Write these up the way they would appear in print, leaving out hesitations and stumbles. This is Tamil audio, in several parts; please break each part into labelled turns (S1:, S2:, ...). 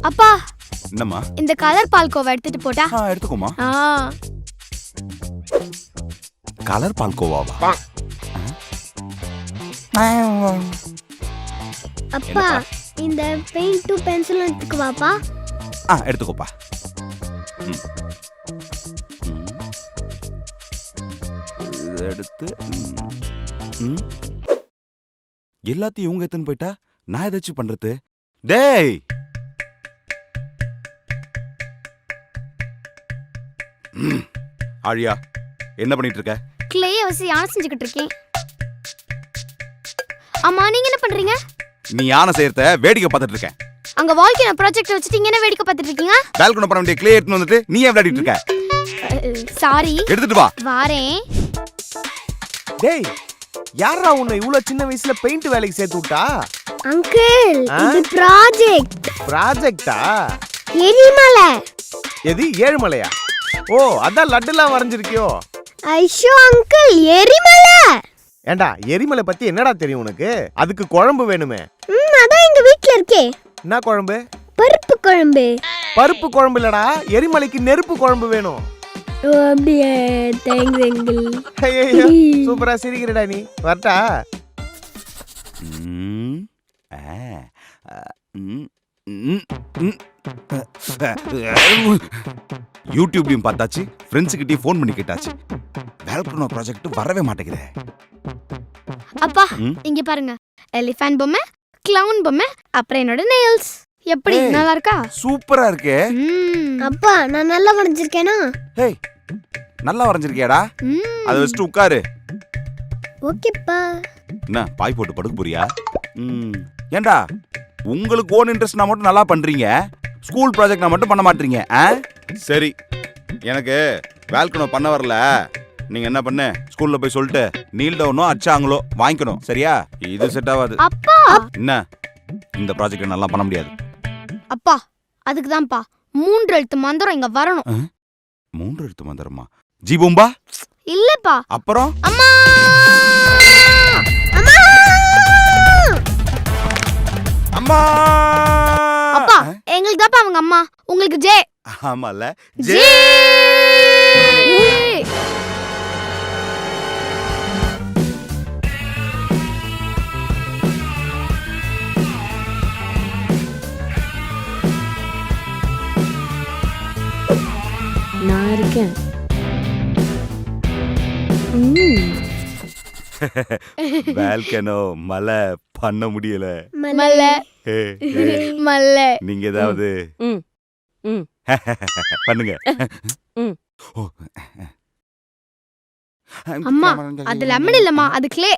S1: அப்பா
S2: என்னம்மா?
S1: இந்த கலர் பால்கோவா எடுத்துட்டு போட்டா?
S2: எடுத்துக்கோமா. கலர் பால்கோவாவா?
S3: அப்பா இந்த பெயிண்ட் பென்சில் எடுத்துக்குவாப்பா.
S2: எடுத்துக்கோப்பா. எடுத்து எல்லாத்தையும் இவங்க எத்தனை போயிட்டா நான் ஏதாச்சும் பண்றது? டேய் ஆழியா, என்ன பண்ணிட்டு இருக்க?
S1: கிளேய வச்சு யானை செஞ்சுக்கிட்டு இருக்கேன். அம்மா நீங்க என்ன பண்றீங்க?
S2: நீ யானை செய்யறத வேடிக்கை பார்த்துட்டு இருக்கேன்.
S1: அங்க வால்கனோ ப்ராஜெக்ட் வச்சிட்டு இங்க என்ன வேடிக்கை பார்த்துட்டு இருக்கீங்க?
S2: பால்கனி பண்ண வேண்டிய கிளே எடுத்து வந்துட்டு நீ ஏன் விளையாடிட்டு இருக்க?
S1: சாரி,
S2: எடுத்துட்டு வா.
S1: வாரேன்.
S4: டேய் யாரா உன்னை இவ்வளவு சின்ன வயசுல பெயிண்ட் வேலைக்கு சேர்த்து விட்டா?
S3: அங்கிள் இது
S4: ப்ராஜெக்டா?
S3: எரிமலை.
S4: எது ஏழுமலையா? ஓ அதான் லட்டுலாம் வரைஞ்சிருக்கியோ?
S3: ஐயோ அங்கிள் எரிமலை.
S4: ஏண்டா எரிமலை பத்தி என்னடா தெரியும் உனக்கு? அதுக்கு குழம்பு வேணுமே.
S3: அதான் எங்க வீட்ல இருக்கே.
S4: என்ன குழம்பு?
S3: பருப்பு குழம்பு.
S4: பருப்பு குழம்பு இல்லடா, எரிமலைக்கு நெருப்பு குழம்பு வேணும்.
S3: ஓ அப்படியே. Thanks uncle.
S4: ஐயோ சூப்பரா சிரிக்கிறடா நீ. வரட்டா?
S2: யூடியூப்லயும் பார்த்தாச்சு, ஃப்ரெண்ட்ஸ் கிட்டயும் ஃபோன் பண்ணி கேட்டாச்சு. வால்கனோ ப்ராஜெக்ட் வரவே மாட்டேங்குதே.
S1: அப்பா இங்க பாருங்க, எலிஃபண்ட் பொம்மை, கிளவுன் பொம்மை, அப்புறம் என்னோட நெயில்ஸ். எப்படி நல்லா இருக்கா?
S2: சூப்பரா இருக்கே.
S3: அப்பா நான் நல்லா வரைஞ்சிருக்கேனா?
S2: ஹேய் நல்லா வரைஞ்சிருக்கியாடா. அதை வச்சுட்டு உட்காரு.
S3: ஓகேப்பா.
S2: என்ன பாய் போட்டு படுக்க போறியா? ஏண்டா உங்களுக்கு ஓன் இன்ட்ரெஸ்ட்னா மட்டும் நல்லா பண்றீங்க, ஸ்கூல் ப்ராஜெக்ட்னா மட்டும் பண்ண மாட்டீங்க. சரி, எனக்கு வால்கனோ பண்ண வரல. நீங்க என்ன பண்ணு, ஸ்கூல்ல போய் சொல்லிட்டு நீல் டவுனோ அச்சாங்களோ வாங்கிக்கணும். சரியா? இது செட் ஆகாது.
S1: அப்பா
S2: என்ன இந்த ப்ராஜெக்ட் நல்லா பண்ண முடியாது.
S1: அப்பா அதுக்கு தான்ப்பா 3 எழுத்து மந்திரம் இங்க வரணும்.
S2: 3 எழுத்து மந்திரமா? ஜீபூம்பா
S1: இல்லப்பா.
S2: அப்புறம்
S1: அம்மா
S2: அம்மா.
S1: அப்பா எங்களுக்கு தான்ப்பா அவங்க அம்மா, உங்களுக்கு ஜே.
S2: ஆமால
S1: ஜே.
S5: நான் இருக்கேன்.
S2: வால்கனோ மலை பண்ண முடியல.
S1: மல்ல மல்ல.
S2: நீங்க ஏதாவது பண்ணுங்க.
S1: அம்மா அது லெமன் இல்லம்மா, அது கிளே.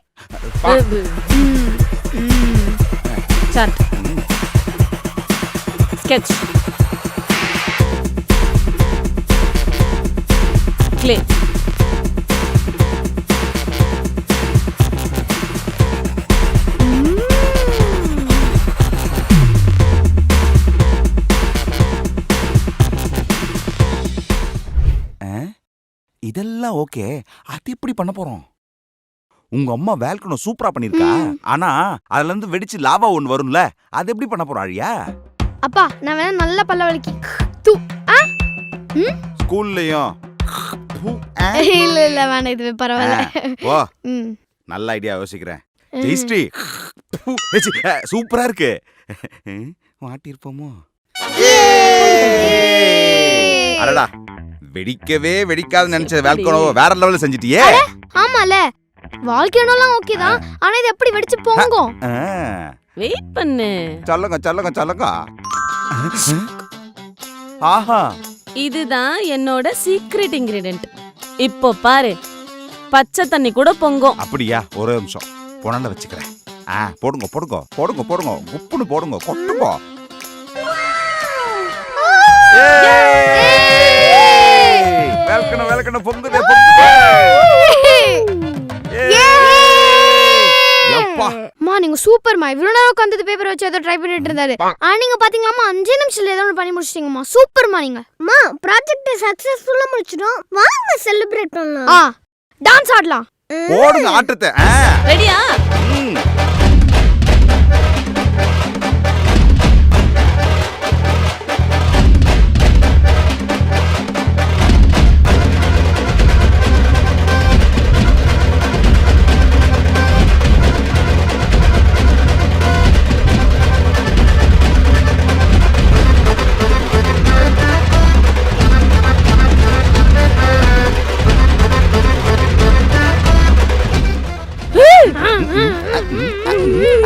S5: Chart sketch clay.
S2: இதெல்லாம் ஓகே, அது எப்படி பண்ண போறோம்? உங்க அம்மா வால்கனோ சூப்பரா பண்ணிருக்கா, ஆனா அதுல இருந்து வெடிச்சு லாவா ஒன்னு வரும்ல, அது எப்படி பண்ண போறா ஆழியா?
S1: அப்பா நான் வேணா நல்ல பல்ல வலிக்கி
S2: ஸ்கூல்லயும்
S1: இல்ல இல்ல வேணாம், இதுவே பரவாயில்ல.
S2: ஓ நல்ல ஐடியா யோசிக்கிறேன். ஜெயஸ்ரீ சூப்பரா இருக்கு. மாட்டிருப்போமோ? அடடா, வெடிக்கவே வெடிக்காது நினைச்ச வால்கனோ வேற லெவல்ல செஞ்சிட்டியே.
S1: ஆமால, வால்கனோலாம் ஓகே தான், ஆனா இது எப்படி வெடிச்சு போங்கும்?
S5: வெயிட் பண்ணு.
S2: சொல்லுங்க சொல்லுங்க சொல்லுங்க. ஆஹா,
S5: இதுதான் என்னோட சீக்ரெட் இன்கிரிடியன்ட். இப்போ பாரு, பச்சை தண்ணி கூட பொங்கும்.
S2: அப்படியா? ஒரு நிமிஷம் புனல வச்சுக்கிறேன். போடுங்க போடுங்க போடுங்க போடுங்க, உப்புன்னு போடுங்க, கொட்டுங்க. வால்கனோ வால்கனோ பொங்குதே பொங்குதே.
S1: அம்மா நீங்க சூப்பர்மா. இவ்வளவு நேரம் உட்கார்ந்து பேப்பர் வச்சு ஏதோ ட்ரை பண்ணிட்டு இருந்தாரு. நீங்க பாத்தீங்களாமா 5 நிமிஷத்துல ஏதோ பண்ணி முடிச்சிட்டீங்கம்மா. சூப்பர்மா நீங்க.
S3: அம்மா ப்ராஜெக்ட் சக்சஸ்ஃபுல்லா முடிச்சிட்டோம், வாங்க செலிப்ரேட் பண்ணலாம்.
S1: டான்ஸ் ஆடலாம்.
S2: போடுங்க ஆட்டத்தை.
S5: ரெடியா?
S1: ம், ம், ம்.